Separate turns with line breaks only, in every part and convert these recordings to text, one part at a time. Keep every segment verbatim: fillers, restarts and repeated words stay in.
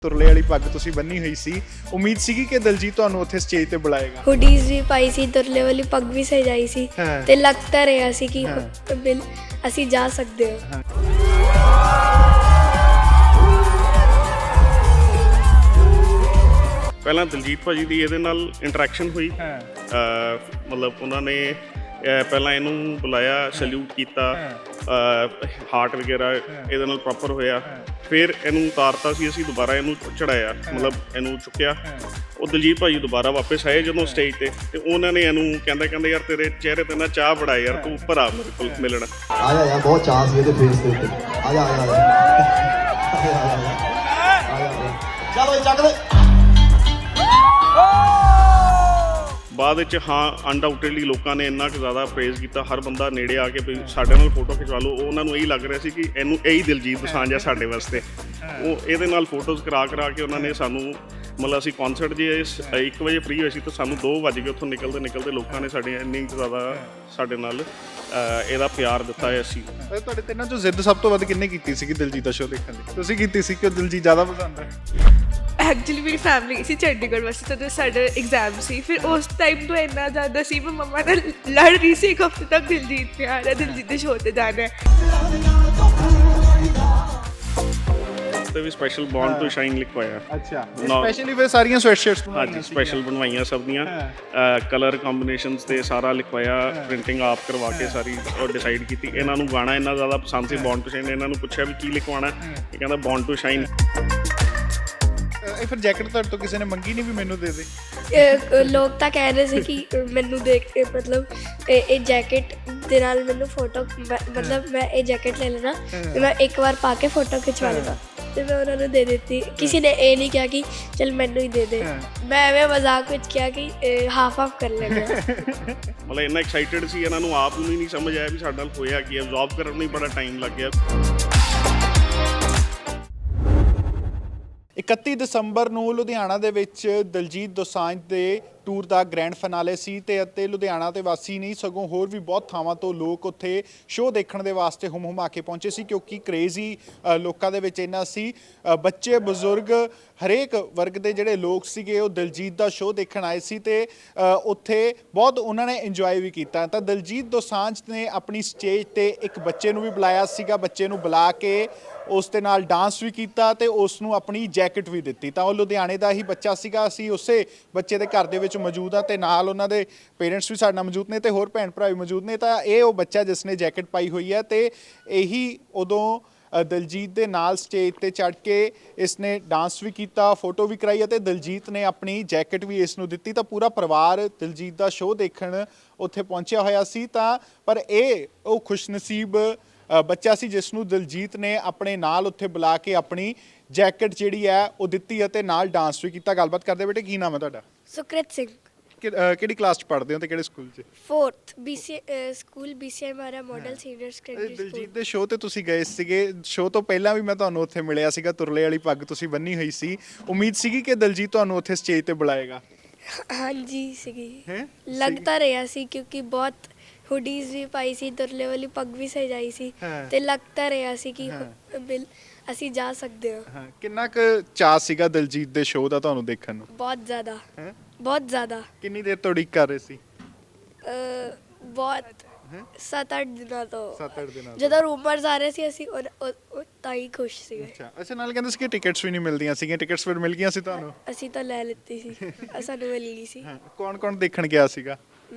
ਤੁਰਲੇ ਵਾਲੀ ਪੱਗ ਤੁਸੀਂ ਬੰਨੀ ਹੋਈ ਸੀ, ਉਮੀਦ ਸੀਗੀ ਕਿ ਦਿਲਜੀਤ ਤੁਹਾਨੂੰ ਉੱਥੇ ਸਟੇਜ ਤੇ ਬੁਲਾਏਗਾ।
ਹੁਡੀਜ਼ ਵੀ ਪਾਈ ਸੀ, ਤੁਰਲੇ ਵਾਲੀ ਪੱਗ ਵੀ ਸਜਾਈ ਸੀ
ਹਾਂ।
ਤੇ ਲੱਗ ਤਾਂ ਰਿਹਾ ਸੀ ਕਿ
ਹਾਂ।
ਬਿਲ ਅਸੀਂ ਜਾ ਸਕਦੇ ਹਾਂ।
ਪਹਿਲਾਂ ਦਿਲਜੀਤ ਭਾਜੀ ਦੀ ਇਹਦੇ ਨਾਲ ਇੰਟਰੈਕਸ਼ਨ ਹੋਈ।
ਹਾਂ।
ਮਤਲਬ ਉਹਨਾਂ ਨੇ ਅਹ ਪਹਿਲਾਂ ਇਹਨੂੰ ਬੁਲਾਇਆ, ਸੈਲੂਟ ਕੀਤਾ, ਹਾਰਟ ਵਗੈਰਾ ਇਹਦੇ ਨਾਲ ਪ੍ਰੋਪਰ ਹੋਇਆ। ਫਿਰ ਇਹਨੂੰ ਉਤਾਰਤਾ ਸੀ ਅਸੀਂ, ਦੁਬਾਰਾ ਇਹਨੂੰ ਚੜਾਇਆ, ਮਤਲਬ ਇਹਨੂੰ ਚੁੱਕਿਆ। ਉਹ ਦਿਲਜੀਤ ਭਾਜੀ ਦੁਬਾਰਾ ਵਾਪਸ ਆਏ ਜਦੋਂ ਸਟੇਜ ਤੇ ਤੇ ਉਹਨਾਂ ਨੇ ਇਹਨੂੰ ਕਹਿੰਦਾ ਕਹਿੰਦੇ ਯਾਰ ਤੇਰੇ ਚਿਹਰੇ ਤੇ ਨਾ ਚਾਹ ਬੜਾ ਯਾਰ, ਤੂੰ ਉੱਪਰ ਆ ਮੇਰੇ ਕੋਲ ਮਿਲਣ।
ਆ ਜਾ ਯਾਰ, ਬਹੁਤ ਚਾਹ ਸੀ ਇਹਦੇ ਫੇਸ ਦੇ ਉੱਤੇ। ਆ ਜਾ ਆ ਜਾ ਚਲੋ ਚੱਕ ਦੇ।
ਬਾਅਦ ਵਿੱਚ ਹਾਂ ਅਨਡਾਊਟਡਲੀ ਲੋਕਾਂ ਨੇ ਇੰਨਾ ਕੁ ਜ਼ਿਆਦਾ ਪ੍ਰੇਜ਼ ਕੀਤਾ, ਹਰ ਬੰਦਾ ਨੇੜੇ ਆ ਕੇ ਵੀ ਸਾਡੇ ਨਾਲ ਫੋਟੋ ਖਿਚਵਾ ਲਓ। ਉਹਨਾਂ ਨੂੰ ਇਹੀ ਲੱਗ ਰਿਹਾ ਸੀ ਕਿ ਇਹਨੂੰ ਇਹੀ ਦਿਲਜੀਤ ਦੋਸਾਂਝ ਆ ਸਾਡੇ ਵਾਸਤੇ। ਉਹ ਇਹਦੇ ਨਾਲ ਫੋਟੋਜ਼ ਕਰਾ ਕਰਾ ਕੇ ਉਹਨਾਂ ਨੇ ਸਾਨੂੰ, ਮਤਲਬ ਅਸੀਂ ਕੌਨਸਰਟ ਜੇ ਇੱਕ ਵਜੇ ਫ੍ਰੀ ਹੋਏ ਸੀ ਤਾਂ ਸਾਨੂੰ ਦੋ ਵੱਜ ਗਏ ਉੱਥੋਂ ਨਿਕਲਦੇ ਨਿਕਲਦੇ। ਲੋਕਾਂ ਨੇ ਸਾਡੇ ਇੰਨੀ ਕੁ ਜ਼ਿਆਦਾ ਸਾਡੇ ਨਾਲ ਇਹਦਾ ਪਿਆਰ ਦਿੱਤਾ ਹੈ। ਅਸੀਂ
ਤੁਹਾਡੇ ਤਿੰਨਾਂ ਚੋਂ ਜ਼ਿੱਦ ਸਭ ਤੋਂ ਵੱਧ ਕਿੰਨੇ ਕੀਤੀ ਸੀਗੀ ਦਿਲਜੀਤ ਦਾ ਸ਼ੋਅ ਦੇਖਣ ਦੀ? ਤੁਸੀਂ ਕੀਤੀ ਸੀ ਕਿ ਉਹ ਦਿਲਜੀਤ ਜ਼ਿਆਦਾ ਪਸੰਦ ਹੈ?
ਐਕਚੁਅਲੀ ਮੇਰੀ ਫੈਮਿਲੀ ਗਈ ਸੀ ਚੰਡੀਗੜ੍ਹ ਵਾਸਤੇ, ਜਦੋਂ ਸਾਡਾ ਐਗਜ਼ਾਮ ਸੀ। ਫਿਰ ਉਸ ਟਾਈਮ ਤੋਂ ਇੰਨਾ ਜ਼ਿਆਦਾ ਸੀ, ਮੈਂ ਮੰਮਾ ਨਾਲ ਲੜ ਰਹੀ ਸੀ ਇੱਕ ਹਫ਼ਤੇ ਤੱਕ ਦਿਲਜੀਤ ਨੇ ਆਣਾ, ਦਿਲਜੀਤ ਦੇ ਸ਼ੋਅ 'ਤੇ ਜਾਣਾ ਹੈ।
ਤੇ ਵੀ ਸਪੈਸ਼ਲ ਬੌਂਡ ਟੂ ਸ਼ਾਈਨ ਲਿਖਵਾਇਆ।
ਅੱਛਾ, ਸਪੈਸ਼ਲੀ ਫਿਰ ਸਾਰੀਆਂ ਸਵੈਟਸ਼ਰਟਸ
ਹਾਂਜੀ ਸਪੈਸ਼ਲ ਬਣਵਾਈਆਂ ਸਭ ਦੀਆਂ, ਕਲਰ ਕੰਬੀਨੇਸ਼ਨਸ ਤੇ ਸਾਰਾ ਲਿਖਵਾਇਆ, ਪ੍ਰਿੰਟਿੰਗ ਆਪ ਕਰਵਾ ਕੇ ਸਾਰੀ ਡਿਸਾਈਡ ਕੀਤੀ। ਇਹਨਾਂ ਨੂੰ ਗਾਣਾ ਇੰਨਾ ਜ਼ਿਆਦਾ ਪਸੰਦ ਸੀ ਬੌਂਡ ਟੂ ਸ਼ਾਈਨ, ਇਹਨਾਂ ਨੂੰ ਪੁੱਛਿਆ ਵੀ ਕੀ ਲਿਖਵਾਉਣਾ, ਇਹ ਕਹਿੰਦਾ ਬੌਂਡ ਟੂ ਸ਼ਾਈਨ।
ਇਹ ਫਿਰ ਜੈਕਟ ਤੁਹਾਡੇ ਤੋਂ ਕਿਸੇ ਨੇ ਮੰਗੀ ਨਹੀਂ ਵੀ ਮੈਨੂੰ ਦੇ ਦੇ?
ਇਹ ਲੋਕ ਤਾਂ ਕਹਿ ਰਹੇ ਸੀ ਕਿ ਮੈਨੂੰ ਦੇਖ ਕੇ ਮਤਲਬ ਇਹ ਇਹ ਜੈਕਟ ਦੇ ਨਾਲ ਮੈਨੂੰ ਫੋਟੋ, ਮਤਲਬ ਮੈਂ ਇਹ ਜੈਕਟ ਲੈ ਲੈਣਾ ਤੇ ਮੈਂ ਇੱਕ ਵਾਰ ਪਾ ਕੇ ਫੋਟੋ ਖਿਚਵਾ ਲੈਣਾ ਤੇ ਮੈਂ ਉਹਨਾਂ ਨੂੰ ਦੇ ਦਿੱਤੀ। ਕਿਸੇ ਨੇ ਇਹ ਨਹੀਂ ਕਿਹਾ ਕਿ ਚਲ ਮੈਨੂੰ ਹੀ ਦੇ ਦੇ। ਮੈਂ ਐਵੇਂ ਮਜ਼ਾਕ ਵਿੱਚ ਕਿਹਾ ਕਿ ਹਾਫ ਹਾਫ ਕਰ ਲੈਂਦੇ ਹਾਂ।
ਮਤਲਬ ਇੰਨਾ ਐਕਸਾਈਟਡ ਸੀ, ਇਹਨਾਂ ਨੂੰ ਆਪ ਨੂੰ ਹੀ ਨਹੀਂ ਸਮਝ ਆਇਆ ਵੀ ਸਾਡੇ ਨਾਲ ਹੋਇਆ ਕੀ ਹੈ। ਅਬਜ਼ੌਰਬ ਕਰਨ ਨੂੰ ਹੀ ਬੜਾ ਟਾਈਮ ਲੱਗ ਗਿਆ।
ਇਕੱਤੀ ਦਸੰਬਰ ਨੂੰ ਲੁਧਿਆਣਾ ਦੇ ਵਿੱਚ ਦਿਲਜੀਤ ਦੋਸਾਂਝ ਦੇ ਟੂਰ ਦਾ ਗ੍ਰੈਂਡ ਫਿਨਾਲੇ ਸੀ ਤੇ ਅਤੇ ਲੁਧਿਆਣਾ ਤੇ ਵਾਸੀ ਨਹੀਂ ਸਗੋਂ ਹੋਰ ਵੀ ਬਹੁਤ ਥਾਵਾਂ ਤੋਂ ਲੋਕ ਉੱਥੇ ਸ਼ੋਅ ਦੇਖਣ ਦੇ ਵਾਸਤੇ ਹੁਮ ਹੁਮਾ ਕੇ ਪਹੁੰਚੇ ਸੀ, ਕਿਉਂਕਿ ਕਰੇਜ਼ ਹੀ ਲੋਕਾਂ ਦੇ ਵਿੱਚ ਇੰਨਾ ਸੀ। ਬੱਚੇ ਬਜ਼ੁਰਗ ਹਰੇਕ ਵਰਗ ਦੇ ਜਿਹੜੇ ਲੋਕ ਸੀਗੇ ਉਹ ਦਿਲਜੀਤ ਦਾ ਸ਼ੋਅ ਦੇਖਣ ਆਏ ਸੀ ਤੇ ਉੱਥੇ ਬਹੁਤ ਉਹਨਾਂ ਨੇ ਇੰਜੋਏ ਵੀ ਕੀਤਾ। ਤਾਂ ਦਿਲਜੀਤ ਦੋਸਾਂਝ ਨੇ ਆਪਣੀ ਸਟੇਜ ਤੇ ਇੱਕ ਬੱਚੇ ਨੂੰ ਵੀ ਬੁਲਾਇਆ ਸੀਗਾ, ਬੱਚੇ ਨੂੰ ਬੁਲਾ ਕੇ ਉਸ ਦੇ ਨਾਲ ਡਾਂਸ ਵੀ ਕੀਤਾ ਤੇ ਉਸ ਨੂੰ ਆਪਣੀ ਜੈਕਟ ਵੀ ਦਿੱਤੀ। ਤਾਂ ਉਹ ਲੁਧਿਆਣੇ ਦਾ ਹੀ ਬੱਚਾ ਸੀਗਾ, ਅਸੀਂ ਉਸੇ ਬੱਚੇ ਦੇ ਘਰ ਦੇ ਵਿੱਚ ਮੌਜੂਦ ਆ ਤੇ ਨਾਲ ਉਹਨਾਂ ਦੇ ਪੇਰੈਂਟਸ ਵੀ ਸਾਡੇ ਨਾਲ ਮੌਜੂਦ ਨੇ ਤੇ ਹੋਰ ਭੈਣ ਭਰਾ ਵੀ ਮੌਜੂਦ ਨੇ। ਤਾਂ ਇਹ ਉਹ ਬੱਚਾ ਜਿਸ ਨੇ ਜੈਕਟ ਪਾਈ ਹੋਈ ਹੈ ਤੇ ਇਹੀ ਉਦੋਂ ਦਿਲਜੀਤ ਦੇ ਨਾਲ ਸਟੇਜ ਤੇ ਚੜ੍ਹ ਕੇ ਇਸ ਨੇ ਡਾਂਸ ਵੀ ਕੀਤਾ, ਫੋਟੋ ਵੀ ਕਰਾਈ ਅਤੇ ਦਿਲਜੀਤ ਨੇ ਆਪਣੀ ਜੈਕਟ ਵੀ ਇਸ ਨੂੰ ਦਿੱਤੀ। ਤਾਂ ਪੂਰਾ ਪਰਿਵਾਰ ਦਿਲਜੀਤ ਦਾ ਸ਼ੋਅ ਦੇਖਣ ਉੱਥੇ ਪਹੁੰਚਿਆ ਹੋਇਆ ਸੀ। ਤਾਂ ਪਰ ਇਹ ਉਹ ਖੁਸ਼ਨਸੀਬ ਬੱਚਾ ਸੀ ਜਿਸ ਨੂੰ ਦਿਲਜੀਤ ਨੇ ਆਪਣੇ ਨਾਲ ਉੱਥੇ ਬੁਲਾ ਕੇ ਆਪਣੀ ਜੈਕਟ ਜਿਹੜੀ ਹੈ ਉਹ ਦਿੱਤੀ ਅਤੇ ਨਾਲ ਡਾਂਸ ਵੀ ਕੀਤਾ। ਗੱਲਬਾਤ ਕਰਦੇ ਬੇਟੇ, ਕੀ ਨਾਮ ਹੈ ਤੁਹਾਡਾ?
ਸੁਕ੍ਰਿਤ ਸਿੰਘ।
ਕਿਹੜੀ ਕਲਾਸ 'ਚ ਪੜ੍ਹਦੇ ਹੋ ਤੇ ਕਿਹੜੇ ਸਕੂਲ 'ਚ?
ਫੋਰਥ ਬੀਸੀ ਸਕੂਲ ਬੀਸੀਆਈ ਮਾਰਾ model senior secondary school.
Diljit ਦੇ ਸ਼ੋਅ ਤੇ ਤੁਸੀਂ ਗਏ ਸੀਗੇ, ਸ਼ੋਅ ਤੋਂ ਪਹਿਲਾਂ ਵੀ ਮੈਂ ਤੁਹਾਨੂੰ ਉੱਥੇ ਮਿਲਿਆ ਸੀਗਾ, ਤੁਰਲੇ ਵਾਲੀ ਪੱਗ ਤੁਸੀਂ ਬੰਨੀ ਹੋਈ ਸੀ। ਉਮੀਦ ਸੀਗੀ ਕਿ ਦਿਲਜੀਤ ਤੁਹਾਨੂੰ ਉੱਥੇ ਸਟੇਜ ਤੇ ਬੁਲਾਏਗਾ?
ਹਾਂਜੀ ਸੀਗੀ, ਲੱਗ ਤਾਂ ਰਿਹਾ ਸੀ ਕਿਉਂਕਿ ਬਹੁਤ ਹੁਡੀਜ਼ ਵੀ ਪਾਈ ਸੀ, ਤੁਰਲੇ ਵਾਲੀ ਪੱਗ ਵੀ ਸਜਾਈ ਸੀ ਤੇ ਲੱਗ ਤਾਂ ਰਿਹਾ ਸੀ ਕਿ ਬਿਲ ਅਸੀਂ ਜਾ ਸਕਦੇ ਹਾਂ।
ਕਿੰਨਾ ਕੁ ਚਾਅ ਸੀਗਾ ਦਿਲਜੀਤ ਦੇ ਸ਼ੋਅ ਦਾ ਤੁਹਾਨੂੰ ਦੇਖਣ ਨੂੰ?
ਬਹੁਤ ਜ਼ਿਆਦਾ, ਬਹੁਤ ਜ਼ਿਆਦਾ।
ਕਿੰਨੀ ਦੇਰ ਤੋਂ ਉਡੀਕ ਕਰ ਰਹੇ ਸੀ?
ਬਹੁਤ ਸੱਤ ਅੱਠ ਦਿਨਾਂ ਤੋਂ।
ਸੱਤ ਅੱਠ ਦਿਨਾਂ
ਜਦੋਂ ਰੂਮਰਸ ਆ ਰਹੇ ਸੀ ਅਸੀਂ ਤਾਂ ਹੀ ਖੁਸ਼ ਸੀਗੇ।
ਅੱਛਾ ਅੱਛਾ, ਨਾਲ ਕਹਿੰਦੇ ਸੀ ਕਿ ਟਿਕਟਸ ਵੀ ਨਹੀਂ ਮਿਲਦੀਆਂ ਸੀਗੀਆਂ, ਟਿਕਟਸ ਫਿਰ ਮਿਲ ਗਈਆਂ ਸੀ ਤੁਹਾਨੂੰ?
ਅਸੀਂ ਤਾਂ ਲੈ ਲਿੱਤੀ ਸੀ, ਸਾਨੂੰ ਮਿਲ ਗਈ ਸੀ।
ਕੌਣ ਕੌਣ ਦੇਖਣ ਗਿਆ ਸੀਗਾ?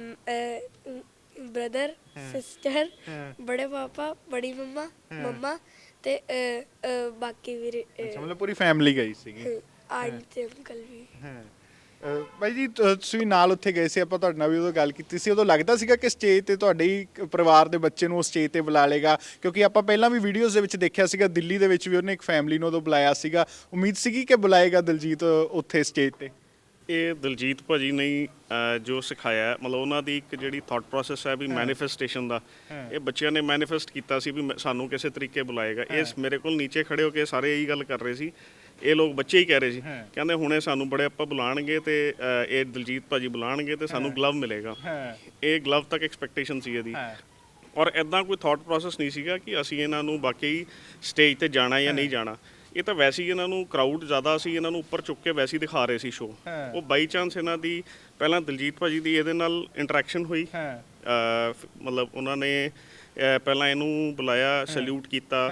ਬ੍ਰਦਰ, ਸਿਸਟਰ, ਬੜੇ ਪਾਪਾ, ਬੜੀ ਮੰਮਾ, ਮੰਮਾ ਤੇ ਬਾਕੀ ਵੀ।
ਅੱਛਾ, ਮਤਲਬ ਪੂਰੀ ਫੈਮਿਲੀ ਗਈ ਸੀਗੀ?
ਆਂਟੀ ਤੇ ਅੰਕਲ ਵੀ।
ਬਾਈ ਜੀ ਤੁਸੀਂ ਵੀ ਨਾਲ ਉੱਥੇ ਗਏ ਸੀ, ਆਪਾਂ ਤੁਹਾਡੇ ਨਾਲ ਵੀ ਉਦੋਂ ਗੱਲ ਕੀਤੀ ਸੀ। ਉਦੋਂ ਲੱਗਦਾ ਸੀਗਾ ਕਿ ਸਟੇਜ ਤੇ ਤੁਹਾਡੇ ਹੀ ਪਰਿਵਾਰ ਦੇ ਬੱਚੇ ਨੂੰ ਉਹ ਸਟੇਜ ਤੇ ਬੁਲਾ ਲੇਗਾ? ਕਿਉਂਕਿ ਆਪਾਂ ਪਹਿਲਾਂ ਵੀ ਵੀਡੀਓਜ਼ ਦੇ ਵਿੱਚ ਦੇਖਿਆ ਸੀਗਾ, ਦਿੱਲੀ ਦੇ ਵਿੱਚ ਵੀ ਉਹਨੇ ਇੱਕ ਫੈਮਿਲੀ ਨੂੰ ਉਦੋਂ ਬੁਲਾਇਆ ਸੀਗਾ। ਉਮੀਦ ਸੀਗੀ ਕਿ ਬੁਲਾਏਗਾ ਦਿਲਜੀਤ ਉੱਥੇ ਸਟੇਜ ਤੇ?
ਇਹ ਦਿਲਜੀਤ ਭਾਜੀ ਨੇ ਜੋ ਸਿਖਾਇਆ, ਮਤਲਬ ਉਹਨਾਂ ਦੀ ਇੱਕ ਜਿਹੜੀ ਥਾਟ ਪ੍ਰੋਸੈਸ ਹੈ ਵੀ ਮੈਨੀਫੈਸਟੇਸ਼ਨ ਦਾ, ਇਹ ਬੱਚਿਆਂ ਨੇ ਮੈਨੀਫੈਸਟ ਕੀਤਾ ਸੀ ਵੀ ਸਾਨੂੰ ਕਿਸੇ ਤਰੀਕੇ ਬੁਲਾਏਗਾ। ਇਸ ਮੇਰੇ ਕੋਲ ਨੀਚੇ ਖੜੇ ਹੋ ਕੇ ਸਾਰੇ ਇਹੀ ਗੱਲ ਕਰ ਰਹੇ ਸੀ, ਇਹ ਲੋਕ ਬੱਚੇ ਹੀ ਕਹਿ ਰਹੇ ਸੀ, ਕਹਿੰਦੇ ਹੁਣੇ ਸਾਨੂੰ ਬੜੇ ਆਪਾਂ ਬੁਲਾਣਗੇ ਤੇ ਇਹ ਦਿਲਜੀਤ ਭਾਜੀ ਬੁਲਾਣਗੇ ਤੇ ਸਾਨੂੰ ਗਲਵ ਮਿਲੇਗਾ। ਇਹ ਗਲਵ ਤੱਕ ਐਕਸਪੈਕਟੇਸ਼ਨ ਸੀ ਇਹਦੀ। ਔਰ ਇੱਦਾਂ ਕੋਈ ਥਾਟ ਪ੍ਰੋਸੈਸ ਨਹੀਂ ਸੀਗਾ ਕਿ ਅਸੀਂ ਇਹਨਾਂ ਨੂੰ ਬਾਕੀ ਸਟੇਜ ਤੇ ਜਾਣਾ ਜਾਂ ਨਹੀਂ ਜਾਣਾ। ਇਹ ਤਾਂ ਵੈਸੇ ਹੀ ਇਹਨਾਂ ਨੂੰ ਕਰਾਊਡ ਜ਼ਿਆਦਾ ਸੀ, ਇਹਨਾਂ ਨੂੰ ਉੱਪਰ ਚੁੱਕ ਕੇ ਵੈਸੇ ਹੀ ਦਿਖਾ ਰਹੇ ਸੀ ਸ਼ੋਅ।
ਹਾਂ।
ਉਹ ਬਾਈ ਚਾਂਸ ਇਹਨਾਂ ਦੀ ਪਹਿਲਾਂ ਦਿਲਜੀਤ ਭਾਜੀ ਦੀ ਇਹਦੇ ਨਾਲ ਇੰਟਰੈਕਸ਼ਨ ਹੋਈ।
ਹਾਂ।
ਅਹ ਫ- ਮਤਲਬ ਉਹਨਾਂ ਨੇ ਅਹ ਪਹਿਲਾਂ ਇਹਨੂੰ ਬੁਲਾਇਆ, ਸੈਲੂਟ ਕੀਤਾ,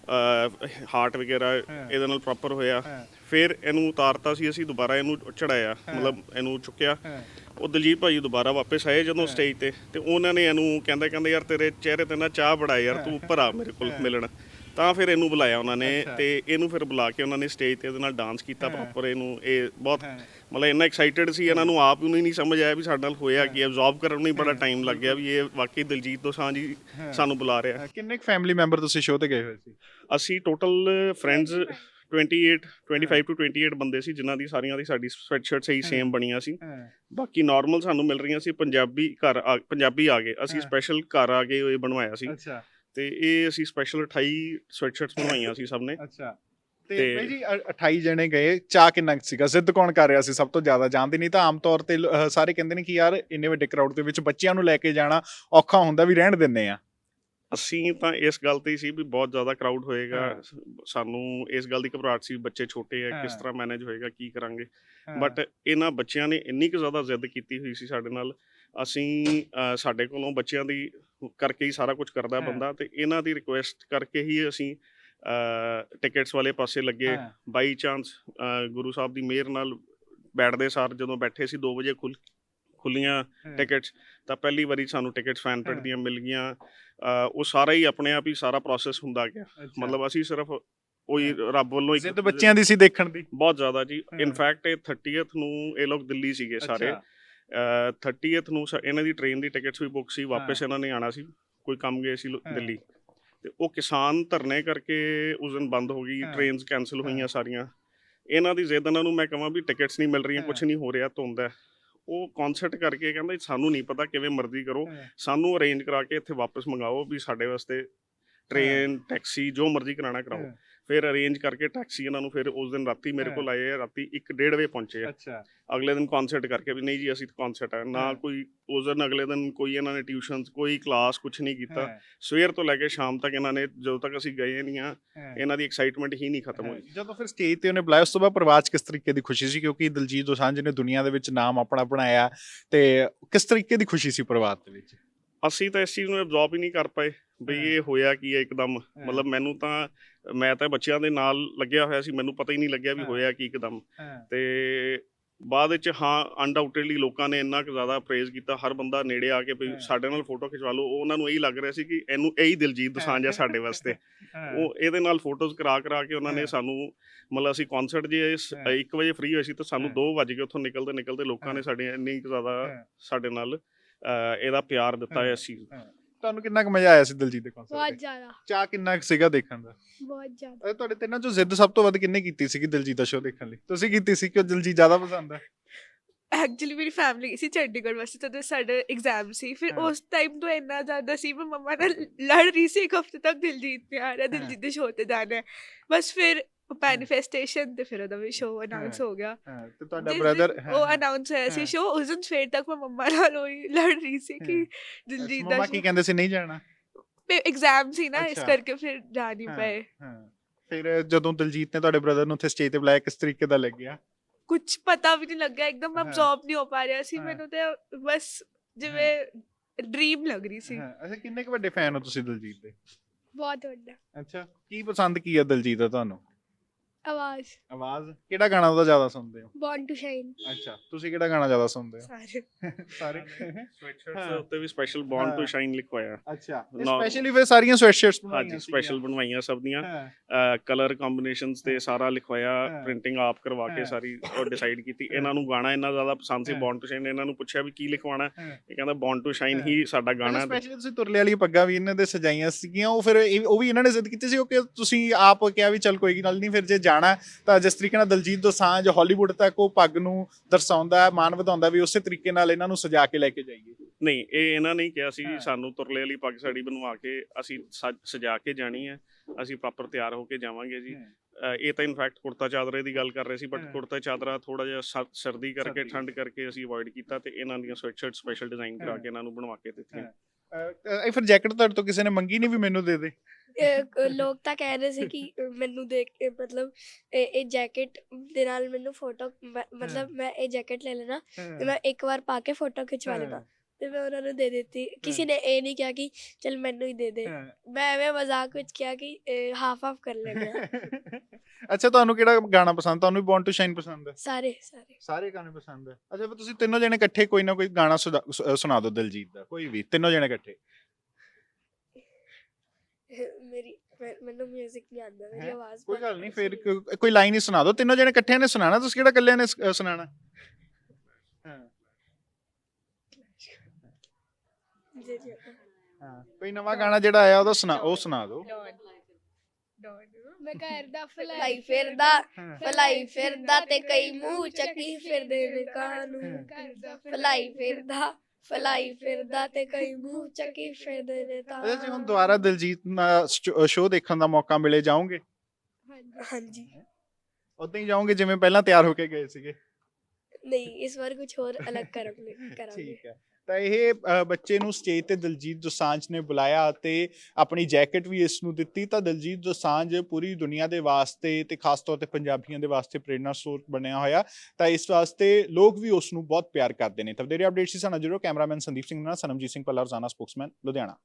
ਹਾਰਟ ਵਗੈਰਾ ਇਹਦੇ ਨਾਲ ਪ੍ਰੋਪਰ ਹੋਇਆ। ਫਿਰ ਇਹਨੂੰ ਉਤਾਰਤਾ ਸੀ ਅਸੀਂ, ਦੁਬਾਰਾ ਇਹਨੂੰ ਚੜਾਇਆ, ਮਤਲਬ ਇਹਨੂੰ ਚੁੱਕਿਆ। ਉਹ ਦਿਲਜੀਤ ਭਾਜੀ ਦੁਬਾਰਾ ਵਾਪਸ ਆਏ ਜਦੋਂ ਸਟੇਜ ਤੇ ਤੇ ਉਹਨਾਂ ਨੇ ਇਹਨੂੰ ਕਹਿੰਦਾ ਕਹਿੰਦੇ ਯਾਰ ਤੇਰੇ ਚਿਹਰੇ ਤੇ ਨਾ ਚਾਹ ਬੜਾ ਯਾਰ, ਤੂੰ ਉੱਪਰ ਆ ਮੇਰੇ ਕੋਲ ਮਿਲਣ। ਤਾਂ ਫਿਰ ਇਹਨੂੰ ਬੁਲਾਇਆ ਉਹਨਾਂ ਨੇ ਤੇ ਇਹਨੂੰ ਫਿਰ ਬੁਲਾ ਕੇ ਉਹਨਾਂ ਨੇ ਸਟੇਜ ਤੇ ਇਹਦੇ ਨਾਲ ਡਾਂਸ ਕੀਤਾ ਪ੍ਰੋਪਰ। ਇਹਨੂੰ ਇਹ ਬਹੁਤ ਮਤਲਬ ਇੰਨਾ ਐਕਸਾਈਟਡ ਸੀ, ਇਹਨਾਂ ਨੂੰ ਆਪ ਨੂੰ ਹੀ ਨਹੀਂ ਸਮਝ ਆਇਆ ਵੀ ਸਾਡੇ ਨਾਲ ਹੋਇਆ ਕੀ, ਐਬਜ਼ੌਰਬ ਕਰਨ ਨੂੰ ਹੀ ਬੜਾ ਟਾਈਮ ਲੱਗ ਗਿਆ ਵੀ ਇਹ ਵਾਕਈ ਦਿਲਜੀਤ ਦੋਸਾਂਝ ਹੀ ਸਾਨੂੰ ਬੁਲਾ ਰਿਹਾ।
ਕਿੰਨੇ ਫੈਮਿਲੀ ਮੈਂਬਰ ਤੁਸੀਂ ਸ਼ੋਅ ਤੇ ਗਏ ਹੋਏ ਸੀ?
ਅਸੀਂ ਟੋਟਲ ਫਰੈਂਡਸ ਅਠਾਈ ਪੱਚੀ ਟੂ ਅਠਾਈ ਬੰਦੇ ਸੀ, ਜਿਨ੍ਹਾਂ ਦੀ ਸਾਰੀਆਂ ਦੀ ਸਾਡੀ ਸਵੈਟਸ਼ਰਟ ਸਹੀ ਸੇਮ ਬਣੀਆਂ ਸੀ। ਬਾਕੀ ਨਾਰਮਲ ਸਾਨੂੰ ਮਿਲ ਰਹੀਆਂ ਸੀ। ਪੰਜਾਬੀ ਘਰ ਆ- ਪੰਜਾਬੀ ਆ ਗਏ, ਅਸੀਂ ਸਪੈਸ਼ਲ ਘਰ ਆ ਕੇ ਇਹ ਬਣਵਾਇਆ ਸੀ
ਅੱਛਾ।
ਤੇ ਇਹ ਅਸੀਂ ਸਪੈਸ਼ਲ ਅਠਾਈ ਸਵੈਟਸ਼ਰਟਸ ਬਣਵਾਈਆਂ ਸੀ ਸਭ ਨੇ।
ਅੱਛਾ। ਤੇ
ਤੇ-
ਬਾਈ ਜੀ ਅ- ਅਠਾਈ ਜਣੇ ਗਏ, ਚਾਹ ਕਿੰਨਾ ਕੁ ਸੀਗਾ? ਜ਼ਿੱਦ ਕੌਣ ਕਰ ਰਿਹਾ ਸੀ ਸਭ ਤੋਂ ਜ਼ਿਆਦਾ? ਜਾਣਦੇ ਨਹੀਂ ਤਾਂ ਆਮ ਤੌਰ ਤੇ ਲ- ਅਹ ਸਾਰੇ ਕਹਿੰਦੇ ਨੇ ਕਿ ਯਾਰ ਇੰਨੇ ਵੱਡੇ ਕਰਾਊਡ ਦੇ ਵਿੱਚ ਬੱਚਿਆਂ ਨੂੰ ਲੈ ਕੇ ਜਾਣਾ ਔਖਾ ਹੁੰਦਾ, ਵੀ ਰਹਿਣ ਦਿੰਦੇ ਆ।
ਅਸੀਂ ਤਾਂ ਇਸ ਗੱਲ ਤੇ ਹੀ ਸੀ ਵੀ ਬਹੁਤ ਜ਼ਿਆਦਾ ਕਰਾਊਡ ਹੋਏਗਾ,
ਹਾਂ।
ਸਾਨੂੰ ਇਸ ਗੱਲ ਦੀ ਘਬਰਾਹਟ ਸੀ, ਬੱਚੇ ਛੋਟੇ ਆ, ਕਿਸ
ਹਾਂ।
ਤਰ੍ਹਾਂ ਮੈਨੇਜ ਹੋਏਗਾ, ਕੀ ਕਰਾਂਗੇ। ਬਟ ਇਹਨਾਂ ਬੱਚਿਆਂ ਨੇ ਇੰਨੀ ਕੁ ਜ਼ਿਆਦਾ ਜ਼ਿੱਦ ਕੀਤੀ ਹੋਈ ਸੀ ਸਾਡੇ ਨਾਲ। ਅਸੀਂ ਅਹ, ਸਾਡੇ ਕੋਲੋਂ ਬੱਚਿਆਂ ਦੀ ਕਰਕੇ ਹੀ ਸਾਰਾ ਕੁਝ ਕਰਦਾ
ਹਾਂ।
ਬੰਦਾ, ਤੇ ਇਹਨਾਂ ਦੀ ਰਿਕੁਐਸਟ ਕਰਕੇ ਹੀ ਅਸੀਂ ਟਿਕਟਸ ਵਾਲੇ ਪਾਸੇ ਲੱਗੇ।
ਹਾਂ।
ਬਾਈ ਚਾਂਸ ਗੁਰੂ ਸਾਹਿਬ ਦੀ ਮਿਹਰ ਨਾਲ ਬੈਠਦੇ ਸਾਰ ਜਦੋਂ ਬੈਠੇ ਸੀ ਦੋ ਵਜੇ ਖੁੱਲ ਖੁੱਲੀਆਂ ਟਿਕਟਸ, ਤਾਂ ਪਹਿਲੀ ਵਾਰੀ ਸਾਨੂੰ ਟਿਕਟਸ ਫੈਨਪਿਟ
ਹਾਂ।
ਦੀਆਂ ਮਿਲ ਗਈਆਂ। ਅਹ, ਉਹ ਸਾਰਾ ਹੀ ਆਪਣੇ ਆਪ ਹੀ ਸਾਰਾ ਪ੍ਰੋਸੈਸ ਹੁੰਦਾ ਗਿਆ। ਮਤਲਬ ਅਸੀਂ ਸਿਰਫ ਉਹੀ ਰੱਬ ਵੱਲੋਂ ਇੱਕ
ਜ਼ਿੱਦ ਬੱਚਿਆਂ ਦੀ ਸੀ ਦੇਖਣ ਦੀ।
ਬਹੁਤ ਜ਼ਿਆਦਾ ਜੀ।
ਹਾਂ।
ਇਨਫੈਕਟ ਇਹ ਤੀਹ ਨੂੰ ਇਹ ਲੋਕ ਦਿੱਲੀ ਸੀਗੇ ਸਾਰੇ।
ਅੱਛਾ।
ਤੀਹ ਨੂੰ ਸ- ਇਹਨਾਂ ਦੀ ਟ੍ਰੇਨ ਦੀ ਟਿਕਟਸ ਵੀ ਬੁੱਕ ਸੀ, ਵਾਪਸ
ਹਾਂ।
ਇਹਨਾਂ ਨੇ ਆਣਾ ਸੀ, ਕੋਈ ਕੰਮ ਗਏ ਸੀ ਲੁ-
ਹਾਂ।
ਦਿੱਲੀ। ਤੇ ਉਹ ਕਿਸਾਨ ਧਰਨੇ ਕਰਕੇ ਉਸ ਦਿਨ ਬੰਦ ਹੋ ਗਈ,
ਹਾਂ।
ਟ੍ਰੇਨਸ ਕੈਂਸਲ ਹੋਈਆਂ
ਹਾਂ।
ਸਾਰੀਆਂ। ਇਹਨਾਂ ਦੀ ਜ਼ਿੱਦ ਇਹਨਾਂ ਨੂੰ ਮੈਂ ਕਹਾਂ ਵੀ ਟਿਕਟਸ ਨਹੀਂ ਮਿਲ ਰਹੀਆਂ,
ਹਾਂ।
ਕੁਝ ਨਹੀਂ ਹੋ ਰਿਹਾ, ਧੁੰਦ ਹੈ। ਉਹ ਕਨਸਰਟ ਕਰਕੇ ਕਹਿੰਦਾ ਸਾਨੂੰ ਨਹੀਂ ਪਤਾ, ਕਿਵੇਂ ਮਰਜ਼ੀ ਕਰੋ,
ਹਾਂ।
ਸਾਨੂੰ ਅਰੇਂਜ ਕਰਾ ਕੇ ਇੱਥੇ ਵਾਪਸ ਮੰਗਾਓ ਵੀ ਸਾਡੇ ਵਾਸਤੇ ਟ੍ਰੇਨ ਟੈਕਸੀ ਜੋ ਮਰਜ਼ੀ ਕਰਾਣਾ ਕਰਾਓ।
ਹਾਂ।
ਫਿਰ ਅਰੇਂਜ ਕਰਕੇ ਟੈਕਸੀ ਇਹਨਾਂ ਨੂੰ ਫਿਰ ਉਸ ਦਿਨ ਰਾਤੀ ਮੇਰੇ
ਹਾਂ।
ਕੋਲ ਆਏ ਆ, ਰਾਤੀ ਇੱਕ ਡੇਢ ਵਜੇ ਪਹੁੰਚੇ ਆ।
ਅੱਛਾ।
ਅਗਲੇ ਦਿਨ ਕਨਸਰਟ ਕਰਕੇ ਵੀ ਨਹੀਂ ਜੀ ਅਸੀਂ ਕਨਸਰਟ ਹੈ ਨਾ,
ਹਾਂ।
ਕੋਈ ਉਸ ਦਿਨ ਅਗਲੇ ਦਿਨ ਕੋਈ ਇਹਨਾਂ ਨੇ ਟਿਊਸ਼ਨਸ, ਕੋਈ ਕਲਾਸ, ਕੁਝ ਨਹੀਂ ਕੀਤਾ।
ਹਾਂ।
ਸਵੇਰ ਤੋਂ ਲੈ ਕੇ ਸ਼ਾਮ ਤੱਕ ਇਹਨਾਂ ਨੇ, ਜਦੋਂ ਤੱਕ ਅਸੀਂ ਗਏ ਨਹੀਂ ਆ,
ਹਾਂ।
ਇਹਨਾਂ ਦੀ ਐਕਸਾਈਟਮੈਂਟ ਹੀ ਨਹੀਂ ਖਤਮ ਹੋਈ।
ਜਦੋਂ ਫਿਰ ਸਟੇਜ ਤੇ ਉਹਨੇ ਬੁਲਾਇਆ, ਉਸ ਤੋਂ ਬਾਅਦ ਪਰਿਵਾਰ 'ਚ ਕਿਸ ਤਰੀਕੇ ਦੀ ਖੁਸ਼ੀ ਸੀ? ਕਿਉਂਕਿ ਦਿਲਜੀਤ ਦੋਸਾਂਝ ਨੇ ਦੁਨੀਆ ਦੇ ਵਿੱਚ ਨਾਮ ਆਪਣਾ ਬਣਾਇਆ, ਤੇ ਕਿਸ ਤਰੀਕੇ ਦੀ ਖੁਸ਼ੀ ਸੀ ਪਰਿਵਾਰ ਦੇ ਵਿੱਚ?
ਅਸੀਂ ਤਾਂ ਇਸ ਚੀਜ਼ ਨੂੰ ਐਬਜ਼ੌਰਬ ਹੀ ਨਹੀਂ ਕਰ ਪਏ ਬਈ
ਹਾਂ।
ਇਹ ਹੋਇਆ ਕੀ ਹੈ ਇੱਕਦਮ। ਮਤਲਬ ਮੈਨੂੰ ਤਾਂ, ਮੈਂ ਤਾਂ ਬੱਚਿਆਂ ਦੇ ਨਾਲ ਲੱਗਿਆ ਹੋਇਆ ਸੀ, ਮੈਨੂੰ ਪਤਾ ਹੀ ਨਹੀਂ ਲੱਗਿਆ ਵੀ
ਹਾਂ।
ਹੋਇਆ ਕੀ ਇੱਕਦਮ।
ਹਾਂ।
ਤੇ ਬਾਅਦ ਵਿੱਚ ਹਾਂ ਅਨਡਾਊਟਡਲੀ ਲੋਕਾਂ ਨੇ ਇੰਨਾ ਕੁ ਜ਼ਿਆਦਾ ਪ੍ਰੇਜ਼ ਕੀਤਾ, ਹਰ ਬੰਦਾ ਨੇੜੇ ਆ ਕੇ ਵੀ
ਹਾਂ।
ਸਾਡੇ ਨਾਲ ਫੋਟੋ ਖਿਚਵਾ ਲਓ। ਉਹਨਾਂ ਨੂੰ ਇਹੀ ਲੱਗ ਰਿਹਾ ਸੀ ਕਿ ਇਹਨੂੰ ਇਹੀ ਦਿਲਜੀਤ ਦੋਸਾਂਝ ਹੈ ਸਾਡੇ ਵਾਸਤੇ। ਉਹ ਇਹਦੇ ਨਾਲ ਫੋਟੋਜ਼ ਕਰਾ ਕਰਾ ਕੇ ਉਹਨਾਂ ਨੇ
ਹਾਂ।
ਸਾਨੂੰ, ਮਤਲਬ ਅਸੀਂ ਕਨਸਰਟ ਜੇ
ਹਾਂ।
ਇੱਕ ਵਜੇ ਫ੍ਰੀ ਹੋਏ ਸੀ ਤਾਂ ਸਾਨੂੰ
ਹਾਂ।
ਦੋ ਵੱਜ ਗਏ ਉੱਥੋਂ ਨਿਕਲਦੇ ਨਿਕਲਦੇ। ਲੋਕਾਂ ਨੇ
ਹਾਂ।
ਸਾਡੇ ਇੰਨੀ ਕੁ ਜ਼ਿਆਦਾ
ਹਾਂ।
ਸਾਡੇ ਨਾਲ ਅਹ, ਇਹਦਾ ਪਿਆਰ ਦਿੱਤਾ ਹੈ ਇਸ ਚੀਜ਼।
ਤੁਹਾਨੂੰ ਕਿੰਨਾ ਕੁ ਮਜ਼ਾ ਆਇਆ ਸੀ ਦਿਲਜੀਤ ਦੇ ਕਨਸਰਟ
ਬਹੁਤ
ਤੇ?
ਜ਼ਿਆਦਾ
ਚਾਹ ਕਿੰਨਾ ਕੁ ਸੀਗਾ ਦੇਖਣ ਦਾ?
ਬਹੁਤ ਜ਼ਿਆਦਾ।
ਅਹ ਤੁਹਾਡੇ ਤਿੰਨਾਂ ਚੋਂ ਜ਼ਿੱਦ ਸਭ ਤੋਂ ਵੱਧ ਕਿੰਨੇ ਕੀਤੀ ਸੀਗੀ ਦਿਲਜੀਤ ਦਾ ਸ਼ੋਅ ਦੇਖਣ ਲਈ? ਤੁਸੀਂ ਕੀਤੀ ਸੀ ਕਿ ਦਿਲਜੀਤ ਜ਼ਿਆਦਾ ਪਸੰਦ ਹੈ?
ਐਕਚੁਅਲੀ ਮੇਰੀ ਫੈਮਿਲੀ ਸੀ ਚੰਡੀਗੜ੍ਹ ਵਾਸਤੇ, ਤਦੋਂ ਸਾਡਾ ਐਗਜ਼ਾਮ ਸੀ। ਫਿਰ
ਹਾਂ।
ਉਸ ਟਾਈਮ ਤੋਂ ਇੰਨਾ ਜ਼ਿਆਦਾ ਸੀ, ਮੈਂ ਮੰਮਾ ਨਾਲ ਲੜ ਰਹੀ ਸੀ ਇੱਕ ਹਫ਼ਤੇ ਤੱਕ, ਦਿਲਜੀਤ ਨੇ ਆ ਰਿਹਾ, ਦਿਲਜੀਤ ਦੇ ਸ਼ੋਅ ਤੇ ਜਾਣਾ ਹੈ। ਬਸ ਫਿਰ ਮੈਨੀਫੈਸਟੇਸ਼ਨ ਤੇ ਫਿਰ ਉਹਦਾ ਵੀ ਸ਼ੋਅ ਅਨਾਉਂਸ ਹੋ ਗਿਆ।
ਹਾਂ। ਤੇ ਤੁਹਾਡਾ
ਜਿਸ
ਬ੍ਰਦਰ?
ਦਿਨ ਉਹ ਅਨਾਉਂਸ ਹੋਇਆ ਸੀ
ਹਾਂ।
ਸ਼ੋਅ, ਉਸ ਦਿਨ ਸਵੇਰ ਤੱਕ ਮੈਂ ਮੰਮਾ ਨਾਲ ਉਹੀ ਲੜ ਰਹੀ ਸੀ ਕਿ
ਹਾਂ।
ਦਿਲਜੀਤ ਦਾ
ਮਮਾ ਕੀ ਕਹਿੰਦੇ ਸੀ, ਨਹੀਂ ਜਾਣਾ?
ਐਗਜ਼ਾਮ ਸੀ ਨਾ, ਇਸ
ਅੱਛਾ।
ਕਰਕੇ ਫਿਰ ਜਾ ਨਹੀਂ
ਹਾਂ।
ਪਏ।
ਹਾਂ। ਫਿਰ ਜਦੋਂ ਦਿਲਜੀਤ ਨੇ ਤੁਹਾਡੇ ਬ੍ਰਦਰ ਨੂੰ ਉੱਥੇ ਸਟੇਜ ਤੇ ਬੁਲਾਇਆ, ਕਿਸ ਤਰੀਕੇ ਦਾ ਲੱਗਿਆ?
ਕੁਝ ਪਤਾ ਵੀ ਨਹੀਂ ਲੱਗਿਆ, ਇੱਕਦਮ
ਹਾਂ।
ਅਬਜ਼ੌਰਬ ਨਹੀਂ ਹੋ ਪਾ ਰਿਹਾ ਸੀ।
ਹਾਂ।
ਮੈਨੂੰ ਤੇ ਬਸ ਜਿਵੇਂ ਡ੍ਰੀਮ ਲੱਗ ਰਹੀ ਸੀ।
ਹਾਂ। ਅੱਛਾ, ਕਿੰਨੇ ਕੁ ਵੱਡੇ ਫੈਨ ਹੋ ਤੁਸੀਂ ਦਿਲਜੀਤ ਦੇ?
ਬਹੁਤ ਵੱਡਾ।
ਅੱਛਾ। ਕੀ ਪਸੰਦ ਕੀ ਹੈ ਦਿਲਜੀਤ ਦਾ ਤੁਹਾਨੂੰ?
ਆਵਾਜ਼।
ਆਵਾਜ਼? ਕਿਹੜਾ ਗਾਣਾ ਉਹਦਾ ਜ਼ਿਆਦਾ ਸੁਣਦੇ ਹੋ?
Born to shine.
ਅੱਛਾ। ਤੁਸੀਂ ਕਿਹੜਾ ਗਾਣਾ ਜ਼ਿਆਦਾ ਸੁਣਦੇ ਹੋ?
ਸਾਰੇ
ਸਾਰੇ।
ਸਵੈਟਸ਼ਰਟਸ ਦੇ ਉੱਤੇ ਵੀ ਸਪੈਸ਼ਲ ਬੌਰਨ ਟੂ ਸ਼ਾਈਨ ਲਿਖਵਾਇਆ।
ਅੱਛਾ।
ਨਾ-
ਸਪੈਸ਼ਲੀ ਫਿਰ ਸਾਰੀਆਂ ਸਵੈਟਸ਼ਰਟਸ ਬਣਾਈਆਂ
ਹਾਂਜੀ, ਸਪੈਸ਼ਲ ਬਣਵਾਈਆਂ ਸਭ ਦੀਆਂ।
ਹਾਂ।
ਕਲਰ ਕੰਬੀਨੇਸ਼ਨਸ ਤੇ ਸਾਰਾ ਲਿਖਵਾਇਆ,
ਹਾਂ।
ਪ੍ਰਿੰਟਿੰਗ ਆਪ ਕਰਵਾ ਕੇ
ਹਾਂ।
ਸਾਰੀ ਉਹ ਡਿਸਾਈਡ ਕੀਤੀ। ਇਹਨਾਂ ਨੂੰ ਗਾਣਾ ਇੰਨਾ ਜ਼ਿਆਦਾ ਪਸੰਦ ਸੀ
ਹਾਂ।
Born to shine. ਇਹਨਾਂ ਨੂੰ ਪੁੱਛਿਆ ਵੀ ਕੀ ਲਿਖਵਾਉਣਾ,
ਹਾਂ।
ਇਹ ਕਹਿੰਦਾ ਬੌਰਨ ਟੂ ਸ਼ਾਈਨ
ਹਾਂ।
ਹੀ ਸਾਡਾ ਗਾਣਾ ਹੈ।
ਸਪੈਸ਼ਲੀ ਤੁਸੀਂ ਤੁਰਲੇ ਵਾਲੀ ਪੱਗਾਂ ਵੀ ਇਹਨਾਂ ਦੇ ਸਜਾਈਆਂ ਸੀਗੀਆਂ, ਉਹ ਫਿਰ ਇਹ- ਉਹ ਵੀ ਇਹਨਾਂ ਨੇ ਜ਼ਿੱਦ ਕੀਤੀ ਸੀ, ਉਹ ਕਿ ਤੁਸੀਂ ਆਪ ਕਿਹਾ ਵੀ ਚੱਲ ਕੋਈ ਗੱਲ ਨਹੀਂ, ਫਿਰ ਜੇ ਜਾਣਾ ਤਾਂ ਜਿਸ ਤਰੀਕੇ ਨਾਲ ਦਿਲਜੀਤ ਦੋਸਾਂਝ ਹਾਲੀਵੁੱਡ ਤੱਕ ਉਹ ਪੱਗ ਨੂੰ ਦਰਸਾਉਂਦਾ ਹੈ, ਮਾਣ ਵਧਾਉਂਦਾ, ਵੀ ਉਸੇ ਤਰੀਕੇ ਨਾਲ ਇਹਨਾਂ ਨੂੰ ਸਜਾ ਕੇ ਲੈ ਕੇ ਜਾਈਏ।
ਨਹੀਂ, ਇਹ ਇਹਨਾਂ ਨੇ ਹੀ ਕਿਹਾ ਸੀ
ਹਾਂ।
ਸਾਨੂੰ ਤੁਰਲੇ ਵਾਲੀ ਪੱਗ ਸਾੜੀ ਬਣਵਾ ਕੇ ਅਸੀਂ ਸਜ- ਸਜਾ ਕੇ ਜਾਣੀ ਹੈ, ਅਸੀਂ ਪ੍ਰੋਪਰ ਤਿਆਰ ਹੋ ਕੇ ਜਾਵਾਂਗੇ ਜੀ। ਅ, ਇਹ ਤਾਂ ਇਨਫੈਕਟ ਕੁੜਤਾ ਚਾਦਰੇ ਦੀ ਗੱਲ ਕਰ ਰਹੇ ਸੀ, ਬਟ
ਹਾਂ।
ਕੁੜਤਾ ਚਾਦਰਾ ਥੋੜਾ ਜਿਹਾ ਸਰ- ਸਰਦੀ ਕਰਕੇ,
ਸਰਦੀ।
ਠੰਡ ਕਰਕੇ ਅਸੀਂ ਅਵੋਇਡ ਕੀਤਾ ਤੇ ਇਹਨਾਂ ਦੀਆਂ ਸਵੈਟਸ਼ਰਟ ਸਪੈਸ਼ਲ ਡਿਜ਼ਾਈਨ ਕਰਾ
ਹਾਂ।
ਕੇ ਇਹਨਾਂ ਨੂੰ ਬਣਵਾ ਕੇ ਦਿੱਤੀਆਂ।
ਅਹ, ਅਹ, ਇਹ ਫਿਰ ਜੈਕਟ ਤੁਹਾਡੇ ਤੋਂ ਕਿਸੇ ਨੇ ਮੰਗੀ ਨਹੀਂ ਵੀ ਮੈਨੂੰ ਦੇ ਦੇ?
ਅਹ, ਕ- ਲੋਕ ਤਾਂ ਕਹਿ ਰਹੇ ਸੀ ਕਿ ਮੈਨੂੰ ਦੇਖ ਕੇ ਮਤਲਬ ਇਹ ਇਹ ਜੈਕਟ ਦੇ ਨਾਲ ਮੈਨੂੰ ਫੋਟੋ ਮਤਲਬ ਮੈਂ ਇਹ ਜੈਕਟ ਲੈ ਲੈਣਾ ਤੇ ਮੈਂ ਇੱਕ ਵਾਰ ਪਾ ਕੇ ਫੋਟੋ ਖਿਚਵਾ ਲੈਣਾ ਤੇ ਮੈਂ ਉਹਨਾਂ ਨੂੰ ਦੇ ਦਿੱਤੀ ਕਿਸੇ ਨੇ ਇਹ ਨਹੀਂ ਕਿਹਾ ਕਿ ਚਲ ਮੈਨੂੰ ਹੀ ਦੇ ਦੇ ਮੈਂ ਐਵੇਂ ਮਜ਼ਾਕ ਵਿੱਚ ਕਿਹਾ ਕਿ ਹਾਫ ਹਾਫ ਕਰ ਲੈਂਦੇ ਆ
ਅੱਛਾ, ਤੁਹਾਨੂੰ ਕਿਹੜਾ ਗਾਣਾ ਪਸੰਦ? ਤੁਹਾਨੂੰ ਵੀ ਬੌਰਨ ਟੂ ਸ਼ਾਈਨ ਪਸੰਦ ਹੈ?
ਸਾਰੇ ਸਾਰੇ
ਸਾਰੇ ਗਾਣੇ ਪਸੰਦ ਹੈ। ਅੱਛਾ, ਫਿਰ ਤੁਸੀਂ ਤਿੰਨੋਂ ਜਣੇ ਇਕੱਠੇ ਕੋਈ ਨਾ ਕੋਈ ਗਾਣਾ ਸੁਣਾ- ਸੁ- ਸੁਣਾ ਦਿਓ ਦਿਲਜੀਤ ਦਾ, ਕੋਈ ਵੀ ਤਿੰਨੋਂ ਜਣੇ ਇਕੱਠੇ।
ਮੇਰੀ ਮੈਂ- ਮੈਨੂੰ 뮤직 ਨਹੀਂ ਆਉਂਦਾ ਮੇਰੀ
ਹੈਂ?
ਆਵਾਜ਼
ਕੋਈ
ਬਹੁਤ
ਗੱਲ ਨਹੀਂ,
ਘੱਟ
ਫਿਰ
ਹੈ।
ਕੋ- ਕੋਈ ਲਾਈਨ ਹੀ ਸੁਣਾ ਦਿਓ। ਤਿੰਨੋਂ ਜਣੇ ਇਕੱਠਿਆਂ ਨੇ ਸੁਣਾਣਾ, ਤੁਸੀਂ ਕਿਹੜਾ ਇਕੱਲਿਆਂ ਨੇ ਸ- ਅ, ਸੁਣਾਣਾ? ਹਾਂ
ਜੀ ਜੀ
ਹਾਂ, ਕੋਈ ਨਵਾਂ ਗਾਣਾ ਜਿਹੜਾ ਆਇਆ ਉਹਦਾ ਸੁਣਾ, ਉਹ ਸੁਣਾ ਦਿਓ।
ਮੈਂ ਘਰ ਦਾ ਫਲਾਈ ਫਿਰਦਾ ਫਲਾਈ ਫਿਰਦਾ ਤੇ ਕਈ ਮੂੰਹ ਚੱਕੀ ਫਿਰਦੇ ਨੇ ਕਾਨੂੰ ਫਲਾਈ ਫਿਰਦਾ ਫਲਾਈ ਫਿਰਦਾ ਤੇ ਕਈ ਮੂੰਹ ਚੱਕੀ ਫਿਰਦੇ ਨੇ ਤਾਂ
ਅੱਛਾ ਜੀ, ਹੁਣ ਦੁਬਾਰਾ ਦਿਲਜੀਤ ਨਾਲ ਸ਼ੋਅ ਦੇਖਣ ਦਾ ਮੌਕਾ ਮਿਲੇ, ਜਾਓਗੇ?
ਹਾਂਜੀ
ਉਦਾਂ ਹੀ ਜਾਓਗੇ ਜਿਵੇਂ ਪਹਿਲਾਂ ਤਿਆਰ ਹੋ ਕੇ ਗਏ ਸੀਗੇ?
ਨਹੀਂ ਇਸ ਵਾਰ ਕੁਝ ਹੋਰ ਅਲੱਗ ਕਰਾਂਗੇ ਕਰਾਂਗੇ
ਠੀਕ ਹੈ। ਤਾਂ ਇਹ ਅ, ਬੱਚੇ ਨੂੰ ਸਟੇਜ ਤੇ ਦਿਲਜੀਤ ਦੋਸਾਂਝ ਨੇ ਬੁਲਾਇਆ ਅਤੇ ਆਪਣੀ ਜੈਕਟ ਵੀ ਇਸ ਨੂੰ ਦਿੱਤੀ। ਤਾਂ ਦਿਲਜੀਤ ਦੋਸਾਂਝ ਪੂਰੀ ਦੁਨੀਆ ਦੇ ਵਾਸਤੇ ਤੇ ਖਾਸ ਤੌਰ ਤੇ ਪੰਜਾਬੀਆਂ ਦੇ ਵਾਸਤੇ ਪ੍ਰੇਰਨਾ ਸਰੋਤ ਬਣਿਆ ਹੋਇਆ। ਤਾਂ ਇਸ ਵਾਸਤੇ ਲੋਕ ਵੀ ਉਸ ਨੂੰ ਬਹੁਤ ਪਿਆਰ ਕਰਦੇ ਨੇ। ਤਾਂ ਵਧੇਰੇ ਅਪਡੇਟ ਸੀ ਸਾਨੂੰ ਜਰੂਰ। ਕੈਮਰਾਮੈਨ ਸੰਦੀਪ ਸਿੰਘ ਨਾਲ, ਸਨਮਜੀਤ ਸਿੰਘ ਪੱਲਾ, ਰੋਜ਼ਾਨਾ ਸਪੋਕਸਮੈਨ, ਲੁਧਿਆਣਾ।